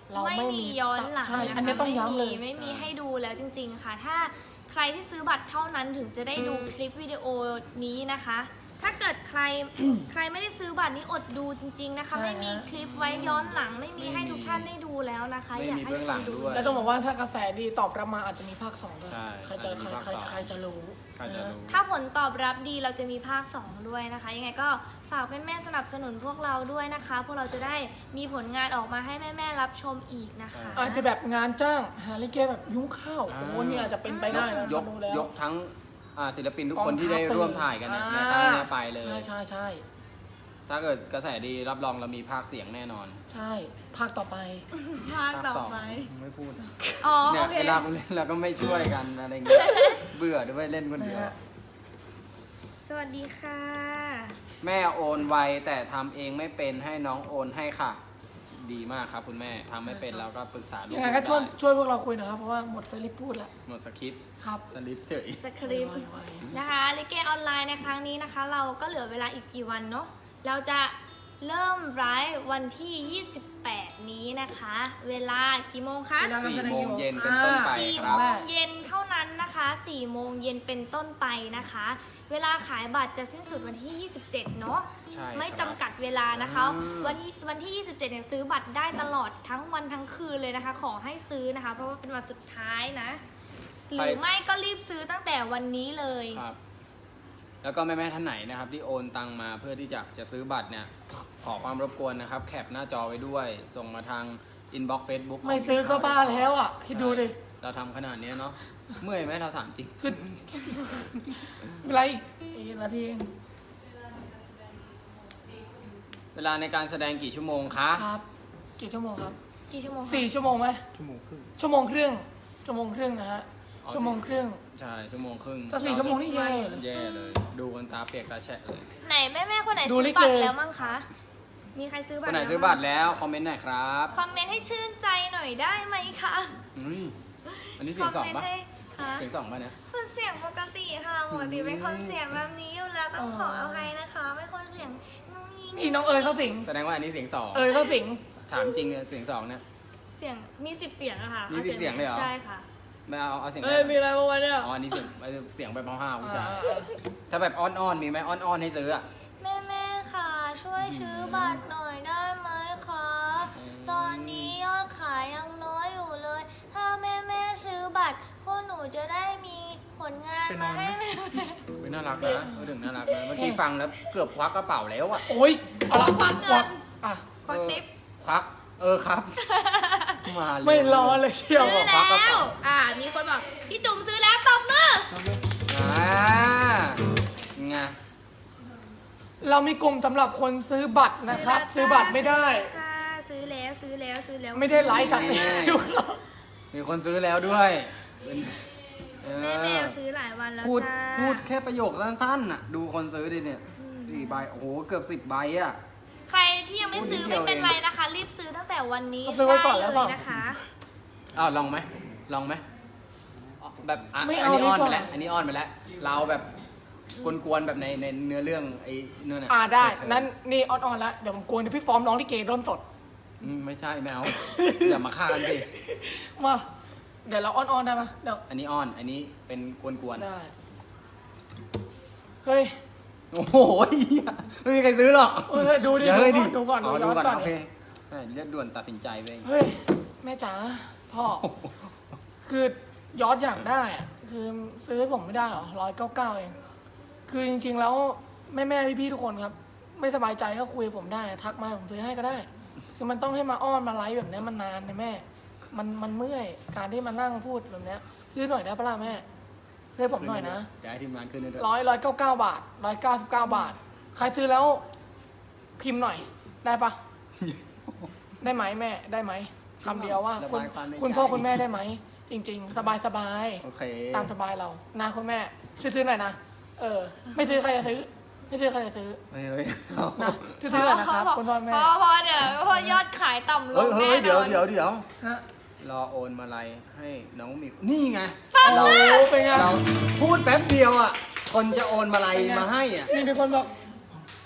Speaker 4: เรา
Speaker 2: ไม่
Speaker 4: ไม่
Speaker 2: มี
Speaker 4: มี
Speaker 2: ย้อนหลัง
Speaker 4: ใช่
Speaker 2: นะคะ
Speaker 4: อันนี้ต้องย้ำเลย
Speaker 2: ไม่มีไม่มีให้ดูแล้วจริง ๆ ค่ะ ถ้าใครที่ซื้อบัตรเท่านั้นถึงจะได้ดูคลิปวิดีโอนี้นะคะ ถ้าเกิดใคร ใครไม่ได้ซื้อบัตรนี้อดดูจริง ๆนะคะ
Speaker 4: ใช่ฮะ
Speaker 2: ไม่มีคลิปไว้ย้อนหลัง ไม่มีให้ทุกท่านได้ดูแล้วนะคะ
Speaker 1: ไม่
Speaker 2: อยาก
Speaker 1: มี
Speaker 2: ให้
Speaker 1: เบื้องหลัง
Speaker 2: ดู
Speaker 1: ด้วย
Speaker 4: แล้วต้องบอกว่าถ้ากระแสดีตอบรับมาอาจจะมีภาคสองด้วย
Speaker 1: ใช่
Speaker 4: ใครจะ
Speaker 1: อาจจะ
Speaker 4: ใค
Speaker 1: มี
Speaker 4: ร
Speaker 1: ภาค
Speaker 4: ใคร
Speaker 1: สอง
Speaker 4: ใครจะรู้
Speaker 1: ใครจะรู้
Speaker 2: ถ้าผลตอบรับดีเราจะมีภาคสองด้วยนะคะ ยังไงก็ฝากแม่ๆสนับสนุนพวกเราด้วยนะคะ พวกเราจะได้มีผลงานออกมาให้แม่ๆรับชมอีกนะคะ
Speaker 4: อาจจะแบบงานจ้างหาลิเกแบบยุ้งข้าวโอ้โหนี่อาจจะเป็นไปได้นะ
Speaker 1: ยก
Speaker 4: ดูแล้ว
Speaker 1: ยกทั้งอ่าศิลปินทุก
Speaker 4: กอง
Speaker 1: คนที่ได้
Speaker 4: ทัพ
Speaker 1: ร่วมถ่ายกันเนี่ยใน
Speaker 4: อ่า
Speaker 1: ครั้งเนี้ยไปเลย
Speaker 4: ใช่ใช่ใช่
Speaker 1: ถ้าเกิดกระแสดีรับรองเรามีภาคเสียงแน่นอน
Speaker 4: ใช่ภาคต่อไป
Speaker 2: ภาคต่อ
Speaker 1: สอง
Speaker 2: ไป
Speaker 1: ไม่พูด
Speaker 2: อ๋อ
Speaker 1: เนี่ย
Speaker 2: โอเค
Speaker 1: เวลาเล่นเราก็ไม่ช่วยกันอะไรเงี้ย เบื่อด้วยเล่นคนเดียว
Speaker 4: นะฮะ
Speaker 2: สวัสดีค่ะ
Speaker 1: แม่โอนไวแต่ทำเองไม่เป็นให้น้องโอนให้ค่ะ ดีมากครับคุณแม่ทำไม่เป็นเราก็ปรึกษาลูก
Speaker 4: ยังไงก็ช่วย
Speaker 1: ได้
Speaker 4: ช่วยพวกเราคุยหนะครับเพราะว่าหมดสลิปพูดละ
Speaker 1: หมดสคริปต์
Speaker 4: ครับ
Speaker 1: สลิปเฉย
Speaker 2: สคริปต์
Speaker 4: ไวๆ
Speaker 2: นะคะลิเกออนไลน์ในครั้งนี้นะคะ เราก็เหลือเวลาอีกกี่วันเนาะเราจะเริ่มไลฟ์วันที่ ยี่สิบแปด นี้นะคะ เวลากี่โมงคะ
Speaker 4: เวลา
Speaker 1: สี่โมงเย็นเป็นต้นไป
Speaker 2: สี่
Speaker 1: ค
Speaker 2: โม
Speaker 1: รับ
Speaker 2: งเย็นเท่านั้นนะคะสี่โมงเย็นเป็นต้นไปนะคะ เวลาขายบัตรจะสิ้นสุดวันที่ ยี่สิบเจ็ด เนาะ
Speaker 1: ใช่ครับ
Speaker 2: ไม่จำกัดเวลานะคะ
Speaker 1: อืม
Speaker 2: วันที่วันที่ ยี่สิบเจ็ด เนี่ยซื้อบัตรได้ตลอดทั้งวันทั้งคืนเลยนะคะ ขอให้ซื้อนะคะ เพราะว่าเป็นวันสุดท้ายนะ หรือไม่ก็รีบซื้อตั้งแต่วันนี้เลย
Speaker 1: ครับ แล้วก็แม่แม่ๆท่านไหนนะครับ ที่โอนตังมาเพื่อที่จะจะซื้อบัตรเนี่ย ขอความรบกวนนะครับ แคปหน้าจอไว้ด้วย ส่งมาทางอินบ็อกซ์เฟซบุ๊ก
Speaker 4: ไม่ซื้อก็บ้าแล้วอ่ะ คิดดูดิ
Speaker 1: เราทำขนาดนี้เนาะเมื่อยไหมเราถามจริง
Speaker 4: คือเวลาอีกอีกนาทีเอง
Speaker 1: เวลาในการแสดงกี่ชั่วโมงคะ
Speaker 4: ครับ กี่ชั่วโมงครับ
Speaker 2: กี่ชั่วโมงคะ
Speaker 4: สี่ชั่วโมงไหม
Speaker 3: ชั่วโมงครึ่ง
Speaker 4: ชั่วโมงครึ่งชั่วโมงครึ่งนะฮะ
Speaker 1: อ๋อ
Speaker 4: ชั่วโมงครึ่ง
Speaker 1: ใช่ชั่วโมงครึ่ง
Speaker 4: ถ้าสี่ชั่วโมงนี่แย่เลย
Speaker 1: แย่เลย ดูกันตาเปียกตาแฉะเลย
Speaker 2: ไหนแม่แม่ๆคนไหน
Speaker 4: ดู
Speaker 2: ซื้
Speaker 4: ลิ
Speaker 2: อ
Speaker 4: เก
Speaker 2: บัตรแล้วมั้งคะ มีใครซื้อ
Speaker 1: ค
Speaker 2: บัต
Speaker 1: น
Speaker 2: ร
Speaker 1: ไหน
Speaker 2: แล้ว
Speaker 1: ซื้อบัตรแล้วคอมเมนต์หน่อยครับ
Speaker 2: คอมเมนต์ให้ชื่นใจหน่อยได้ไหมคะ
Speaker 1: อุ้ยอันนี้
Speaker 2: ค
Speaker 1: เสีย
Speaker 2: อง ม
Speaker 1: สอง
Speaker 2: เมน
Speaker 1: ปะ
Speaker 2: ต์ให้ค่ะ
Speaker 1: เสียงสองปะเนี่ย
Speaker 2: คือเสียงปกติค่ะปกติเป็นคนเสียงแบบนี้อยู่แล้วต้องขออภัยนะคะไม่คนเสียงงุ้งงิ้ง
Speaker 4: นี่น้องเอ๋ยเข้าสิง
Speaker 1: แสดงว่าอันนี้เสียงสอง
Speaker 4: เอ๋ยเข้าสิง
Speaker 1: ถามจริงเนี่ยเสียงสองเนี่ย
Speaker 2: เสียงมีสิบเสียงอะค่ะ
Speaker 1: มีสิบเสียงเลยเหรอ
Speaker 2: ใช่ค่ะ
Speaker 1: ไม่เอาเอาเสียง
Speaker 4: เอ้ยมีอะไรบ้างวะเนี่ย
Speaker 1: อ๋ออันนี้เสียงเสียงแบบห้าวๆผู้ชาย
Speaker 4: อ่า
Speaker 1: ถ้าแบบอ้อนๆมีไหมอ้อนๆให้ซื้ออะ
Speaker 2: แม่แม่ๆค่ะ ช่วยซื้อบัตรหน่อยได้ไหมคะ
Speaker 1: อืม
Speaker 2: ตอนนี้ยอดขายยังน้อยอยู่เลย ถ้าแม่แม่ๆซื้อบัตรพวกหนูจะได้มีผลงานมาให้แม่
Speaker 1: อุ๊ยน่ารักนะพูดถึงน่ารักนะเมื่อกี้ฟังแล้วเกือบควักกระเป๋าแล้วอะ
Speaker 4: โอ้ยเอาละ
Speaker 2: ควักเงิน
Speaker 4: อ่ะ
Speaker 2: ควักติ๊บ
Speaker 1: ควักเออครับ มาเลย
Speaker 4: ไม่รอเลยเชียว
Speaker 2: ซื้อ
Speaker 1: ควักกระ
Speaker 2: แล้
Speaker 1: เป๋า
Speaker 2: ว อ่า มีคนบอกพี่จุ๋มซื้อแล้วตบมือ
Speaker 1: อ่าไง
Speaker 4: เรามีกลุ่มสำหรับคนซื้อบัตรนะครับ ซื้อบัตรไม่ได้
Speaker 2: ค่ะซื้อแล้วซื้อแล้วซื้อแล้ว
Speaker 4: ไม่ได้ไลฟ์กัน
Speaker 1: มีคนซื้อแล้วด้วยเออ
Speaker 2: แม่แม่ซื้อหลายวันแล้ว
Speaker 1: พูด
Speaker 2: จ้า
Speaker 1: พูดแค่ประโยคสั้นๆน่ะ ดูคนซื้อดิเนี่ยสี่ใบโอ้โหเกือบสิบใบอะ
Speaker 2: ใครที่ยังไม่ซื้อ
Speaker 1: พูดนิดเดียว
Speaker 2: ไม่เป็นไรนะคะ รีบซื้อตั้งแต่วันนี้
Speaker 4: เอาซื้อไว้ก่อน
Speaker 2: ได้
Speaker 4: แล้ว
Speaker 2: เล
Speaker 4: เปล่า
Speaker 2: ยนะคะ
Speaker 1: อ้าวลองไหมลองไหมอ๋อแบบอ่ะ
Speaker 4: ไม่
Speaker 1: อั
Speaker 4: เอา
Speaker 1: นนี้อ้อน
Speaker 4: ดีก
Speaker 1: ไป
Speaker 4: ว่า
Speaker 1: แล้วอันนี้อ้อนไปแล้ว เราแบบกวนๆแบบในในเนื้อเรื่องไอ้เนื้อน่ะ
Speaker 4: อ่าได้
Speaker 1: เธอ
Speaker 4: นั้นนี่ออนๆแล้ว เดี๋ยวผมกวนเดี๋ยวพี่ฟอร์มร้องลิเกร่นสด
Speaker 1: อืมไม่ใช่ไม่เอา อย่ามาฆ่ากันสิ
Speaker 4: มา เดี๋ยวเราออนๆได้ปะเดี๋ยว
Speaker 1: อันนี้อ้อน อันนี้เป็นกวน
Speaker 4: ได้ เฮ้ย
Speaker 1: ๆ โอ้โหเหี้ยไม่มีใครซื้อหรอก
Speaker 4: เฮ้ยดูดิ
Speaker 1: เดี๋ยวเลยดิ
Speaker 4: ดูก่อน
Speaker 1: อ๋อ
Speaker 4: ดู
Speaker 1: ดู
Speaker 4: ก่อน
Speaker 1: ก่อน
Speaker 4: ดูย้อนก่อน
Speaker 1: โอเคเอ้ยเรียกด่วนตัดสินใจไปเอง
Speaker 4: เฮ้ย แม่จ๋า พ่อ คือยอดอยากได้อะคือซื้อให้ผมไม่ได้หรอร้อยเก้าเก้าเอง คือจริงๆแล้วแม่แม่พี่พี่ๆทุกคนครับ ไม่สบายใจก็คุยกับผมได้ ทักมาผมซื้อให้ก็ได้ คือมันต้องให้มาอ้อนมาไลฟ์แบบเนี้ยมันนานนะแม่ มันมันเมื่อยการที่มานั่งพูดแบบเนี้ย ซื้อหน่อยได้ปะล่ะแม่ ซื้อให้ผมหน่อยนะ
Speaker 1: เดี๋ยวให้ทีมงานขึ้นให้ด้วย
Speaker 4: ร้อยร้อยเก้าเก้าบาทร้อยเก้าสิบเก้าบาท ใครซื้อแล้วพิมพ์หน่อย ได้ปะ ได้ไหมแม่ได้ไหมคำเดียวว่า คุณ
Speaker 1: ระบายความในใจ
Speaker 4: คุณพ่อคุณแม่ได้ไหม จริง ๆ สบายสบาย
Speaker 1: โอเค
Speaker 4: ตามสบายเรานะคุณแม่ ช่วยซื้อหน่อยนะ เออ ไม่ซื้อใครจะซื้อ ไม่ซื้อใครจะซื้อ
Speaker 1: เฮ้ยเฮ้ยเอา
Speaker 4: นะช่วยซื้อหน่อยนะครับ คุณพ่อแม่
Speaker 2: พอพอเดี๋ยวพอยอดขายต่ำล
Speaker 1: เฮ้
Speaker 2: ง
Speaker 1: ยเฮ้
Speaker 2: แน่
Speaker 1: ย
Speaker 2: น
Speaker 1: เดี๋ยว
Speaker 2: อน
Speaker 1: เดี๋ยวเดี๋ยว
Speaker 4: ฮะ
Speaker 1: รอโอนมาลัยให้น้องหมิวนี่ไง
Speaker 4: โอ้
Speaker 1: เรา
Speaker 4: โหเป็นไง
Speaker 1: เราพูดแป๊บเดียวอ่ะ คนจะโอนมาลัย
Speaker 4: เป็นไง
Speaker 1: มาให้อ่ะ
Speaker 4: นี่มีคนบอก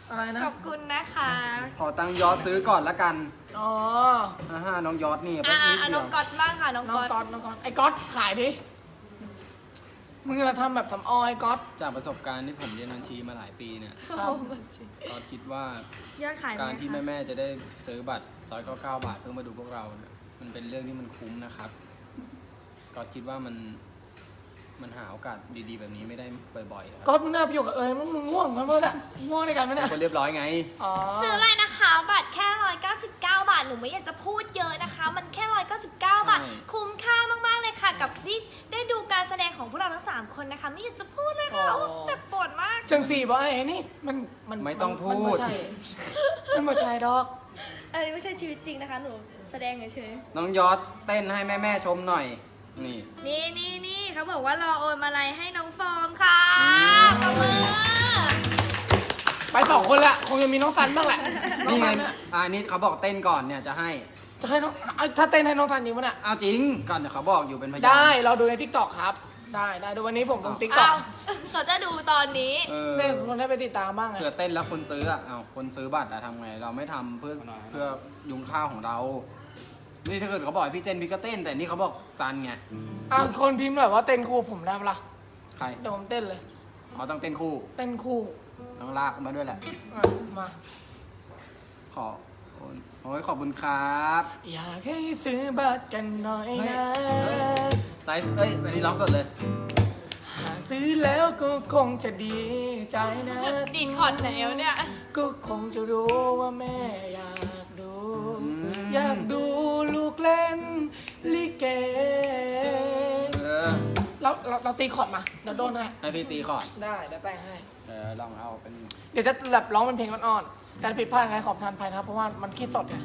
Speaker 4: อะไรนะ
Speaker 2: ขอบคุณนะคะ
Speaker 1: ขอตังค์ยอดซื้อก่อนละกัน
Speaker 4: อ๋อ
Speaker 1: อ่าฮะน้องยอดนี่
Speaker 2: อ่ะ
Speaker 1: แป๊บนิด
Speaker 2: อ่ะ
Speaker 1: เดี
Speaker 2: น้
Speaker 1: ย
Speaker 2: อง
Speaker 1: ว
Speaker 2: ก๊อตบ้างค่ะน้อง
Speaker 4: น้อง
Speaker 2: ก๊อต
Speaker 4: ก๊อตน้องก๊อตไอ้ก๊อตขายดิมึงจะทำแบบสำออยก๊อต
Speaker 1: จากประสบการณ์ที่ผมเรียนบัญชีมาหลายปีเนี่ย
Speaker 4: ครับ
Speaker 1: ก็คิดว่าย
Speaker 2: อดขายไหม
Speaker 1: การที่
Speaker 2: คะ
Speaker 1: แม่ๆจะได้ซื้อบัตรร้อยเก้าเก้าบาทเพื่อมาดูพวกเราเนี่ยมันเป็นเรื่องที่มันคุ้มนะครับ ก็คิดว่ามันมันหาโอกาสดีๆ แบบนี้ไม่ได้บ่อยๆครับ
Speaker 4: ก๊อตมึงน่าไปอยู่กับเอ๋ยมึงง่วงกันเมื่อไหร่ง่วงในกันไหมเนี่ย
Speaker 1: คนเรียบร้อยไง
Speaker 4: อ๋อ
Speaker 2: ซื้ออะไรนะคะ บัตรแค่ร้อยเก้าสิบเก้าบาทหนูไม่อยากจะพูดเยอะนะคะ มันแค่ร้อยเก้าสิบเก้าบาท
Speaker 1: ใช่
Speaker 2: คุ้มค่ามากๆเลยค่ะ กับที่ได้ดูการแสดงของพวกเราทั้งสามคนนะคะ ไม่อยากจะพูดเลยค่ะโอ้เจ็บปวดมาก
Speaker 4: จังสี่บอกไอ้นี่มันมัน
Speaker 1: ไม่ต้องพูด
Speaker 4: มันไม่ใช่มันไม่ใช่ดอก
Speaker 2: อันนี้ไม่ใช่ชีวิตจริงนะคะ หนูแสดงเฉย
Speaker 1: น้องยอดเต้นให้แม่ๆชมหน่อย นี่
Speaker 2: ๆนี่นี่นี่เขาบอกว่ารอโอนมาลัยให้น้องฟอร์มค่ะ
Speaker 1: อืม
Speaker 2: ขอบมือ
Speaker 4: ไปสองคนละคงจะมีน้องซันบ้างแหละน้อง
Speaker 1: นี่ไง
Speaker 4: ซันน่ะ
Speaker 1: อ่านี่เขาบอกเต้นก่อนเนี่ยจะให้
Speaker 4: จะให้น้องเอาถ้าเต้นให้น้องซันจริงปะเนี่ย
Speaker 1: เอาจริงก่อนเดี๋ยวเขาบอกอยู่เป็นพยาน
Speaker 4: ได้เราดูในทิกตอกครับ ได้ได้ดูวันนี้ผมลงทิกตอก
Speaker 2: เอาเขาจะดูตอนนี้
Speaker 1: เออ
Speaker 4: เนี่ยคนได้ไปติดตามบ้างไง
Speaker 1: เผื่อเต้นแล้วคนซื้ออ่ะเอาคนซื้อบัตรอะทำไง เราไม่ทำเพื่อเพื่อยุงข้าวของเรา นี่ถ้าเกิดเขาบอกให้พี่เต้นพี่ก็เต้น แต่นี่เขาบอกซันไง
Speaker 4: อ่ะคนพิมพ์แบบว่าเต้นคู่ผมได้ปะล่ะ
Speaker 1: ใคร
Speaker 4: เดี๋ยวผมเต้นเลย
Speaker 1: อ๋อต้องเต้นคู่
Speaker 4: เต้นคู่
Speaker 1: ต้องลากมาด้วยแหละ
Speaker 4: อ่ะมา
Speaker 1: ขอโอ้ยขอบคุณครับ
Speaker 4: อยากให้ซื้อบัตรกันหน่อย
Speaker 1: เฮ้ย
Speaker 4: นะ
Speaker 1: เฮ้ยไลฟ์เอ้ยวันนี้ร้องสดเลย
Speaker 4: หากซื้อแล้วก็คงจะดีใจนะ
Speaker 2: ดีดคอร์ดไหนวะเนี่ย
Speaker 4: ก็คงจะรู้ว่าแม่อยากดู
Speaker 1: อืม
Speaker 4: อยากดูลูกเล่นลิเก
Speaker 1: เออ
Speaker 4: เราเราเราตีคอร์ดมาเดี๋ยวโดนให้
Speaker 1: ให้พี่ตีก่อน
Speaker 4: ได้เดี๋ยวแต่งให้
Speaker 1: เออลองเอาเป็น
Speaker 4: เดี๋ยวจะแบบร้องเป็นเพลงอ่อนๆแต่ผิดพลาดยังไงขอบทานภัยนะครับเพราะว่ามันคิดสดไง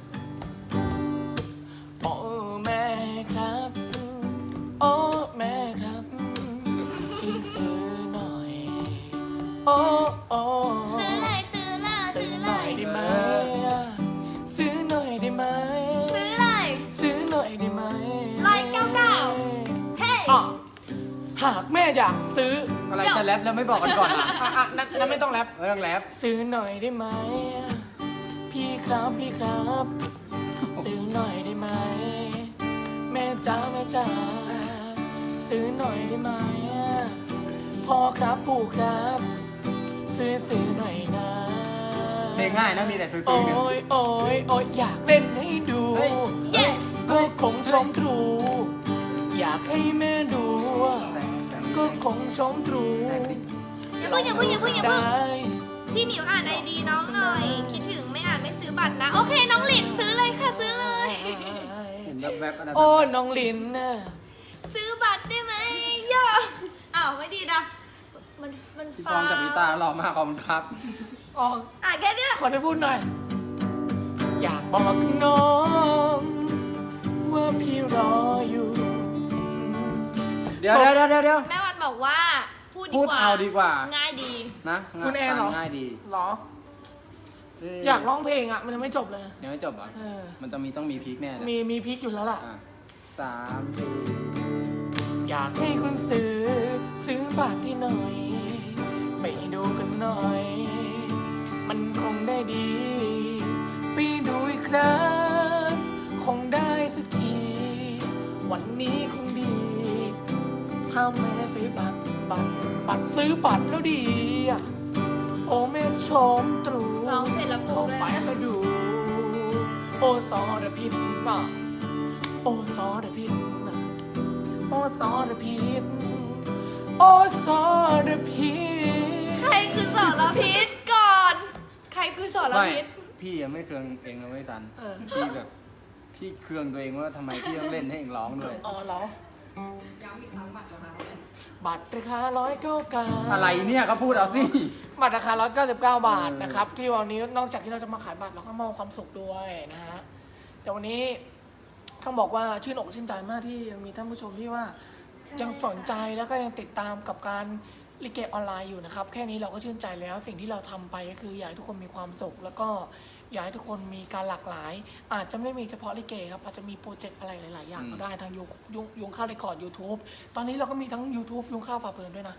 Speaker 4: โอ้แม่ครับ โอ้แม่ครับช่วยซื้อหน่อย โอ้โอ้
Speaker 2: ซื้อเลยซื้อเลย
Speaker 4: ซื้
Speaker 2: ซื้
Speaker 4: อ
Speaker 2: อ
Speaker 4: ห
Speaker 2: เล
Speaker 4: น่อย
Speaker 2: ย
Speaker 4: ได้ไหมซื้อหน่อยได้ไหม
Speaker 2: ซื้อเลย
Speaker 4: ซื้อหน่อยได้ไหม
Speaker 2: ร้อยเก้าเก้า เฮ้
Speaker 4: อ่ะหากแม่อยากซื้อ
Speaker 1: อะไรจะแรปแล้วไม่บอกกันก่อนอ่ะ
Speaker 4: อ่ะอ่ะนั่นนั่นไม่ต้องแรป
Speaker 1: ไม่ต้องแรป
Speaker 4: ซื้อหน่อยได้ไหม พี่ครับพี่ครับ ซื้อหน่อยได้ไหม แม่จ๋าแม่จ๋าซื้อหน่อยได้ไหมพ่อครับปู่ครับ ซื้อซื้อหน่อยนะ
Speaker 1: เพลงง่ายนะมีแต่ซื้อๆ
Speaker 4: โอ้
Speaker 1: เนี่ย
Speaker 4: ยโอ้ยโอ้ยอยากเล่นให้ดู
Speaker 1: เฮ้ย
Speaker 2: เย้
Speaker 4: ก็คงชมตรู อยากให้แม่ดู
Speaker 1: แซงแซง
Speaker 4: ก็คงชมตรู
Speaker 1: แซงดิ
Speaker 2: อย่าเพิ่งอย่าเพิ่งอย่าเพิ่งอย่า
Speaker 4: ได้
Speaker 2: เพิ่งพี่หมิวอ่านไอดีน้องหน่อย คิดถึงไม่อ่านไม่ซื้อบัตรนะ โอเค น้องหลินซื้อเลยค่ะซื้อเลย
Speaker 1: เห็นแวบๆอะไร
Speaker 4: โอ้น้องลินน่ะ
Speaker 2: ซื้อบัตรได้ไหมย่าอ้าวไม่ดีนะ มันมัน
Speaker 1: พี่ฟองจากพิตาหล่อมากขอบคุณครับ
Speaker 4: อ๋อ
Speaker 2: อ่ะแค่เนี้ย
Speaker 4: ขอได้พูดหน่อย อยากบอกน้อง ว่าพี่รออยู่
Speaker 1: เดี๋ยวเดี๋ยวเดี๋ยวเดี๋ยว
Speaker 2: แม่วันบอกว่า พูดดี
Speaker 1: พูด
Speaker 2: กว่า
Speaker 1: เอาดีกว่า
Speaker 2: ง่ายดี
Speaker 1: นะ
Speaker 4: คุณแอนเหรอ
Speaker 1: ง่ายดี
Speaker 4: เหรอ อยากร้องเพลงอ่ะ มันยังไม่จบเลย
Speaker 1: ยังไม่จบเหรอ
Speaker 4: เออ
Speaker 1: มันจะมีต้องมีพีคแน่เลย
Speaker 4: มีมีพริกอยู่แล้วล่ะ
Speaker 1: อ่ะสามสี่
Speaker 4: อยากให้คุณซื้อ ซื้อบัตรให้หน่อย ไปดูกันหน่อย มันคงได้ดี ไปดูอีกครั้งคงได้สักที วันนี้คงดี ถ้าแม่ซื้อบัตรบัตรบัตรซื้อบัตรแล้วดีอะโอ้แม่ชมตรู
Speaker 2: ร้องเสร็จแล้วพู
Speaker 4: เข้า
Speaker 2: ดเลย
Speaker 4: ไป
Speaker 2: นะ
Speaker 4: มาดู โอซอระพิษน่ะโอซอระพิษน่ะโอซอระพิษโอซอระพิษ
Speaker 2: ใครคือสอนพิษก่อน ใครคือสอน
Speaker 1: ไม่
Speaker 2: พิษ
Speaker 1: พี่ยังไม่เคืองเองนะไม่สัน
Speaker 4: เออ
Speaker 1: พี่แบบ พี่เคืองตัวเองว่าทำไมพี่ต้องเล่นให้เองร้องด้วย
Speaker 4: อ๋อเหรอบัตรราคาร้อยเก้าเก้า
Speaker 1: อะไรเนี่ยก็พูดเอาสิ
Speaker 4: บัตรราคาร้อยเก้าสิบเก้าบาทนะครับ ที่วันนี้นอกจากที่เราจะมาขายบัตรเราก็มอบความสุขด้วยนะฮะเดี๋ยววันนี้ต้องบอกว่าชื่นอกชื่นใจมากที่ยังมีท่านผู้ชมที่ว่า
Speaker 2: ใช่
Speaker 4: ยังสนใจแล้วก็ยังติดตามกับการลิเกออนไลน์อยู่นะครับ แค่นี้เราก็ชื่นใจแล้วสิ่งที่เราทำไปก็คืออยากให้ทุกคนมีความสุข แล้วก็อยากให้ทุกคนมีการหลากหลาย อาจจะไม่มีเฉพาะลิเกครับอาจจะมีโปรเจกต์อะไรหลายๆอย่างก็ได้ทางยุงยุงยุงข้าวเรคคอร์ด ยูทูบ ตอนนี้เราก็มีทั้ง ยูทูบ ยุงข้าวฝาเพลินด้วยนะ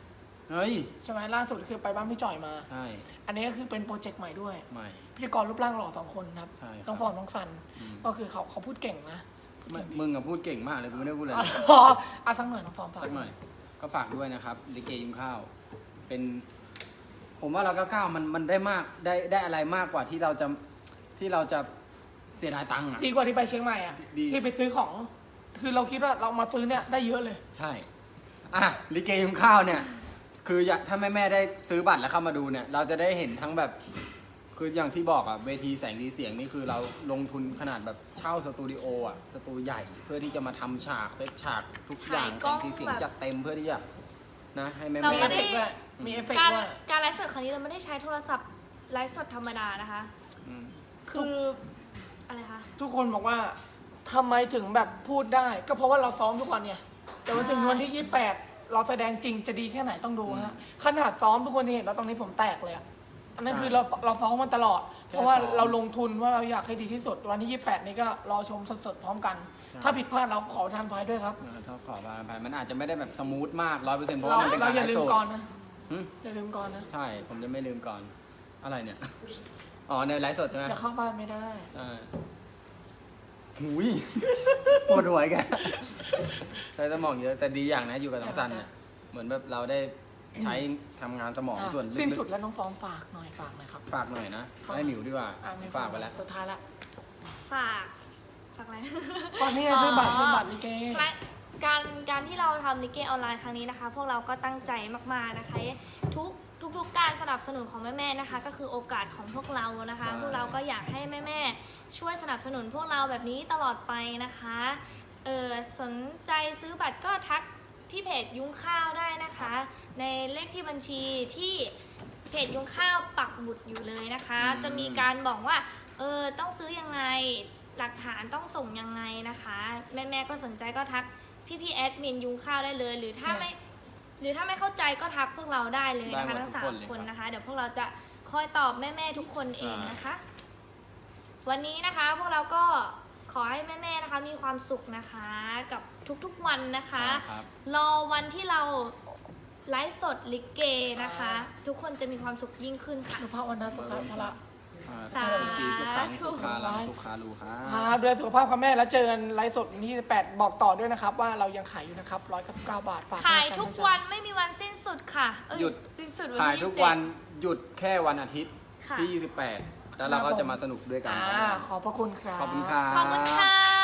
Speaker 1: เฮ้ย
Speaker 4: ใช่ไหมล่าสุดคือไปบ้านพี่จ่อยมา
Speaker 1: ใช่
Speaker 4: อันนี้ก็คือเป็นโปรเจกต์ใหม่ด้วย
Speaker 1: ใหม่
Speaker 4: พิธีกรรูปร่างหล่อสองคนครับ
Speaker 1: ใช่ครับ
Speaker 4: น้องฟอร์มน้องซัน
Speaker 1: อืม
Speaker 4: ก็คือเขาเขาพูดเก่งนะ
Speaker 1: ไม่มึงอะพูดเก่งมากเลยกูไม่ได้พูดอะไร
Speaker 4: อ๋ออ่ะสักหน่อยน้องฟอร์มฝาก
Speaker 1: สักหน่อย ก็ฝากด้วยนะครับลิเกยิมข้าว เป็น ผมว่าเราเก้าเก้ามันมันได้มากได้ได้อะไรมากกว่าที่เราจะที่เราจะเสียดายตังค์อะ
Speaker 4: ดีกว่าที่ไปเชียงใหม่อ่ะ
Speaker 1: ดี
Speaker 4: ที่ไปซื้อของ คือเราคิดว่าเรามาซื้อเนี่ยได้เยอะเลย
Speaker 1: ใช่ อ่ะลิเกยิมข้าวเนี่ย คืออยากถ้าแม่แม่ๆได้ซื้อบัตรแล้วเข้ามาดูเนี่ย เราจะได้เห็นทั้งแบบ คืออย่างที่บอกอะเวทีแสงดีเสียงนี่คือเราลงทุนขนาดแบบเช่าสตูดิโออะสตูใหญ่ เพื่อที่จะมาทำฉากเซตฉากทุกอย่าง
Speaker 2: ถ่ายกล้
Speaker 1: แสง
Speaker 2: อง
Speaker 1: สีเสียง
Speaker 2: แบบ
Speaker 1: จัดเต็มเพื่อที่จะนะให้แม่
Speaker 2: เรา
Speaker 1: แม่
Speaker 2: ไม่
Speaker 4: เอฟ
Speaker 2: ได้
Speaker 4: เฟกต์ด้วยมีเอฟเฟก
Speaker 2: การ
Speaker 4: ต์ด้วย
Speaker 2: การไลฟ์สดครั้งนี้เราไม่ได้ใช้โทรศัพท์ไลฟ์สดธรรมดานะคะ คืออะไรคะ
Speaker 4: ทุกคนบอกว่าทำไมถึงแบบพูดได้ ก็เพราะว่าเราซ้อมทุกวันเนี่ยแต่ว่าถึงวันที่ยี่สิบแปดเราแสดงจริงจะดีแค่ไหนต้องดูฮะขนาดซ้อมทุกคนที่เห็นแล้วตรงนี้ผมแตกเลยอะอันนั้นคือเราเราซ้อมมันตลอด เพราะว่าเราลงทุนว่าเราอยากให้ดีที่สุดวันที่ยี่สิบแปดนี้ก็รอชมสดๆพร้อมกัน ถ้าผิดพลาดเราขอทานไว้ด้วยครับ
Speaker 1: เออถ้าขอมาไปมันอาจจะไม่ได้แบบสมูทมากร้อยเปอร์เซ็นต์เพราะ
Speaker 4: เรา
Speaker 1: ว่ามันเป็น
Speaker 4: เรา
Speaker 1: การ
Speaker 4: อย่า
Speaker 1: ไล
Speaker 4: ลื
Speaker 1: ฟ์
Speaker 4: ม
Speaker 1: สด
Speaker 4: ก่อนนะ
Speaker 1: หึ
Speaker 4: อย่าลืมก่อนนะ
Speaker 1: ใช่ ผมจะไม่ลืมก่อน อะไรเนี่ย อ๋อในไลฟ์สดใช่ไหม
Speaker 4: อย่าเข้าบ้านไม่ได้
Speaker 1: อ่าหุย ปวดหัวอีกแกใช้สมองเยอะ แต่ดีอย่างนะอยู่กับน้องซันเนี่ย เหมือนแบบเราได้ใช้ทำงานสมอง
Speaker 4: อ่ะ
Speaker 1: ส่วน
Speaker 4: สิ้น
Speaker 1: ลึ
Speaker 4: สุด
Speaker 1: ก
Speaker 4: แล้วน้องฟองฝากหน่อยฝากหน่อยครับ
Speaker 1: ๆฝากหน่อยนะให้หมิวดีกว่า
Speaker 4: อ่ะไม่
Speaker 1: ฝากไปแล้ว
Speaker 4: สุดท้ายละ
Speaker 2: ฝากฝากอะไร
Speaker 4: ตอนนี้คือบัตรคือบัตรลิเก
Speaker 2: และการการที่เราทำลิเกออนไลน์ครั้งนี้นะคะ พวกเราก็ตั้งใจมากๆนะคะ ทุกทุกๆการสนับสนุนของแม่ๆนะคะ ก็คือโอกาสของพวกเรานะคะ
Speaker 1: ใช่
Speaker 2: พวกเราก็อยากให้แม่ๆช่วยสนับสนุนพวกเราแบบนี้ตลอดไปนะคะเออสนใจซื้อบัตรก็ทักที่เพจยุ้งข้าวได้นะคะ ในเลขที่บัญชีที่เพจยุ้งข้าวปักหมุดอยู่เลยนะคะ จะมีการบอกว่าเออต้องซื้อยังไงหลักฐานต้องส่งยังไงนะคะ แม่ๆก็สนใจก็ทักพี่พี่ๆแอดมินยุ้งข้าวได้เลย หรือถ้า
Speaker 4: ค่ะ
Speaker 2: ไม่หรือถ้าไม่เข้าใจก็ทักพวกเราได้เลยนะคะ
Speaker 1: ได้หมด
Speaker 2: ทั้ง
Speaker 1: ทุ
Speaker 2: สาก
Speaker 1: ค
Speaker 2: ม
Speaker 1: นเลย
Speaker 2: คน
Speaker 1: ครับ
Speaker 2: นะคะ เดี๋ยวพวกเราจะคอยตอบแม่ๆทุกคนเองนะคะ วันนี้นะคะพวกเราก็ขอให้แม่ๆนะคะมีความสุขนะคะกับทุกๆวันนะคะ
Speaker 1: ใช่ครับ
Speaker 2: รอวันที่เราไลฟ์สดลิเกนะคะ ทุกคนจะมีความสุขยิ่งขึ้นค่ะ
Speaker 4: สุภาพวันนะสุขภาพพละ
Speaker 1: อ่า
Speaker 2: สาธุ
Speaker 1: สุขีสุขังสุขาลังสุขาลูครั
Speaker 4: ครับ บดูแลสุขภาพค่ะแม่แล้วเจอกันไลฟ์สดวันที่แปดบอกต่อด้วยนะครับ ว่าเรายังขายอยู่นะครับร้อยเก้าสิบเก้าบาทฝาก
Speaker 2: ขาย
Speaker 4: ด้วย
Speaker 2: ทุก
Speaker 4: จ้ะ
Speaker 2: วันไม่มีวันสิ้นสุดค่ะเอ้
Speaker 1: หยุด
Speaker 2: สิ้นสุดวัน
Speaker 1: ขาย
Speaker 2: ที่
Speaker 1: ทุก
Speaker 2: ยี่สิบเจ็ด
Speaker 1: วันหยุดแค่วันอาทิตย์
Speaker 2: ค่ะ
Speaker 1: ที่ยี่สิบแปดแล้วเราก็จะมาสนุกด้วยกัน
Speaker 4: อ่าขอบพระคุณครับ
Speaker 1: ขอบคุณครับ
Speaker 2: ขอบคุณค่ะ